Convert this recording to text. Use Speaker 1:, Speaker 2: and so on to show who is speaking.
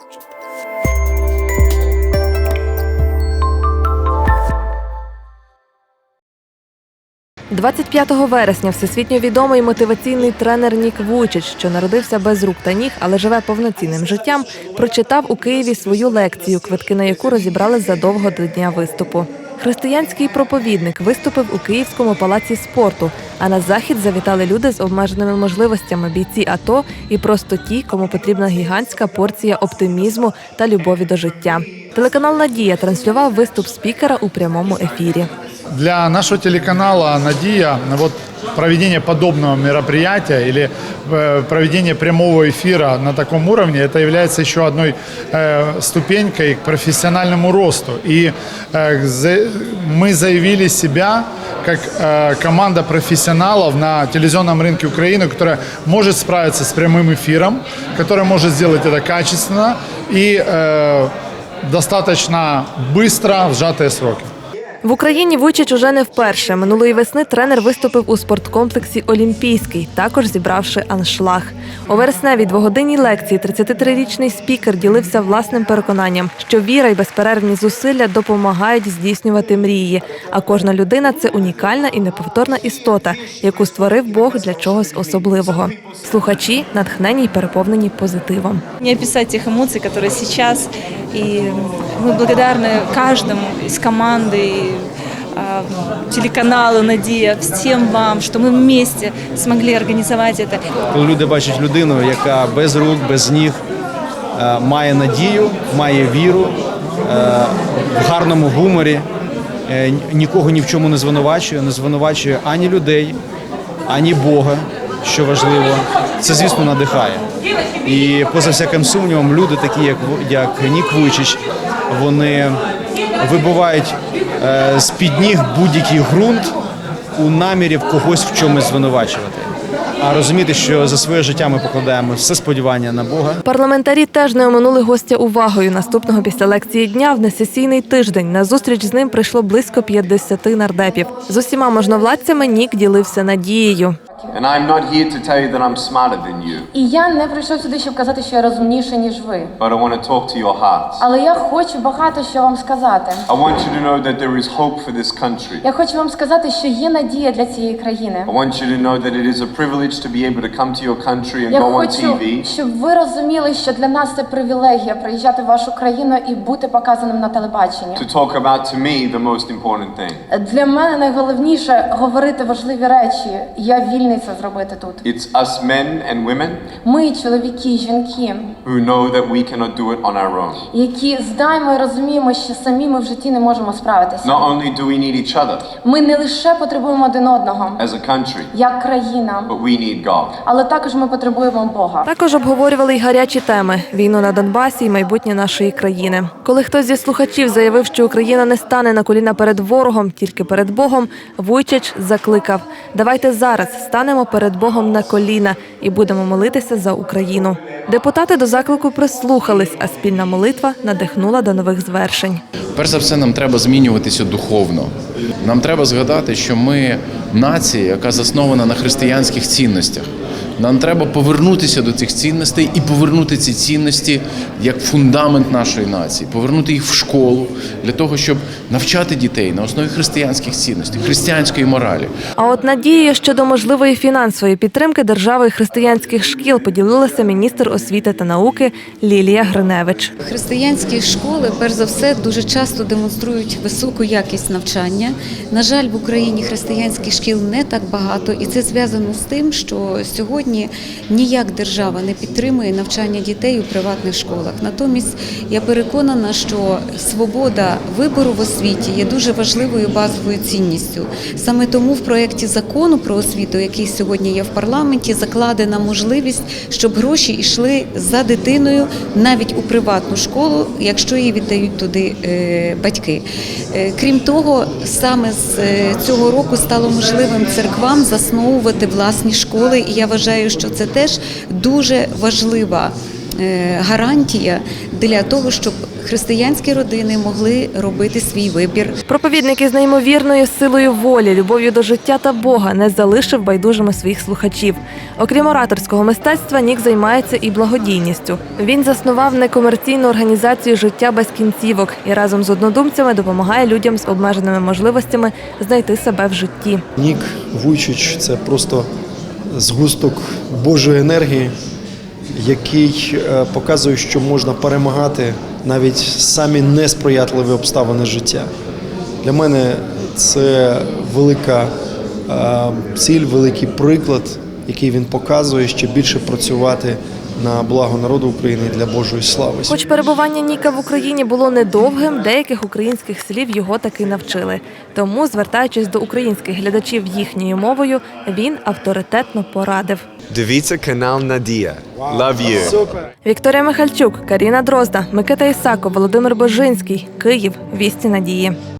Speaker 1: «25 вересня всесвітньо відомий мотиваційний тренер Нік Вуйчич, що народився без рук та ніг, але живе повноцінним життям, прочитав у Києві свою лекцію, квитки на яку розібрали задовго до дня виступу. Християнський проповідник виступив у Київському палаці спорту, а на захід завітали люди з обмеженими можливостями, бійці АТО і просто ті, кому потрібна гігантська порція оптимізму та любові до життя. Телеканал «Надія» транслював виступ спікера у прямому ефірі.
Speaker 2: Для нашего телеканала «Надия» проведение подобного мероприятия или проведение прямого эфира на таком уровне, это является еще одной ступенькой к профессиональному росту. И мы заявили себя как команда профессионалов на телевизионном рынке Украины, которая может справиться с прямым эфиром, которая может сделать это качественно и достаточно быстро в сжатые сроки.
Speaker 1: В Україні Вуйчич уже не вперше. Минулої весни тренер виступив у спорткомплексі «Олімпійський», також зібравши аншлаг. У вересневій двогодинній лекції 33-річний спікер ділився власним переконанням, що віра і безперервні зусилля допомагають здійснювати мрії. А кожна людина – це унікальна і неповторна істота, яку створив Бог для чогось особливого. Слухачі натхнені й переповнені позитивом.
Speaker 3: Не описать тех эмоций, которые сейчас, и мы благодарны каждому из команды, телеканалу «Надія», всім вам, що ми вместе змогли організувати це.
Speaker 4: Коли люди бачать людину, яка без рук, без ніг, має надію, має віру, в гарному гуморі, нікого ні в чому не звинувачує ані людей, ані Бога, що важливо, це, звісно, надихає. І поза всяким сумнівом, люди такі, як Нік Вуйчич, вони вибивають з-під ніг будь-який ґрунт у намірі в когось в чомусь звинувачувати. А розуміти, що за своє життя ми покладаємо все сподівання на Бога.
Speaker 1: Парламентарі теж не оминули гостя увагою. Наступного після лекції дня в несесійний тиждень на зустріч з ним прийшло близько 50 нардепів. З усіма можновладцями Нік ділився надією.
Speaker 5: І я не прийшов сюди, щоб казати, що я розумніше, ніж ви. Але я хочу багато що вам сказати. Я хочу вам сказати, що є надія для цієї країни. Я хочу, щоб ви розуміли, що для нас це привілегія приїжджати в вашу країну і бути показаним на телебаченні. Для мене найголовніше говорити важливі речі. Я вільний це зробити тут.
Speaker 6: It's us men and women
Speaker 5: Ми, чоловіки, жінки,
Speaker 6: who know that we cannot do it on our own.
Speaker 5: які знаємо і розуміємо, що самі ми в житті не можемо справитися.
Speaker 6: Not only do we need each other
Speaker 5: Ми не лише потребуємо один одного,
Speaker 6: as a country,
Speaker 5: як країна,
Speaker 6: but we need God.
Speaker 5: але також ми потребуємо Бога.
Speaker 1: Також обговорювали й гарячі теми – війну на Донбасі і майбутнє нашої країни. Коли хтось зі слухачів заявив, що Україна не стане на коліна перед ворогом, тільки перед Богом, Вуйчич закликав: «Давайте зараз станемо перед Богом на коліна і будемо молитися за Україну». Депутати до заклику прислухались, а спільна молитва надихнула до нових звершень.
Speaker 7: Перш за все, нам треба змінюватися духовно. Нам треба згадати, що ми нація, яка заснована на християнських цінностях. Нам треба повернутися до цих цінностей і повернути ці цінності як фундамент нашої нації, повернути їх в школу для того, щоб навчати дітей на основі християнських цінностей, християнської моралі.
Speaker 1: А от надією щодо можливої фінансової підтримки держави і християнських шкіл поділилася міністр освіти та науки Лілія Гриневич.
Speaker 8: Християнські школи, перш за все, дуже часто демонструють високу якість навчання. На жаль, в Україні християнських шкіл не так багато, і це зв'язано з тим, що сьогодні ніяк держава не підтримує навчання дітей у приватних школах. Натомість я переконана, що свобода вибору в освіті є дуже важливою базовою цінністю. Саме тому в проєкті закону про освіту, який сьогодні є в парламенті, закладена можливість, щоб гроші йшли за дитиною навіть у приватну школу, якщо її віддають туди батьки. Крім того, саме з цього року стало можливим церквам засновувати власні школи, і я вважаю, що це теж дуже важлива гарантія для того, щоб християнські родини могли робити свій вибір.
Speaker 1: Проповідник із неймовірною силою волі, любов'ю до життя та Бога не залишив байдужими своїх слухачів. Окрім ораторського мистецтва, Нік займається і благодійністю. Він заснував некомерційну організацію «Життя без кінцівок» і разом з однодумцями допомагає людям з обмеженими можливостями знайти себе в житті.
Speaker 9: Нік Вуйчич – це просто згусток Божої енергії, який показує, що можна перемагати навіть самі несприятливі обставини життя. Для мене це велика ціль, великий приклад, який він показує, ще більше працювати на благо народу України і для Божої слави.
Speaker 1: Хоч перебування Ніка в Україні було недовгим, деяких українських слів його таки навчили. Тому, звертаючись до українських глядачів їхньою мовою, він авторитетно порадив.
Speaker 10: Дивіться канал Надія. Love you.
Speaker 1: Вікторія Михальчук, Каріна Дрозда, Микита Ісаков, Володимир Божинський. Київ. Вісті надії.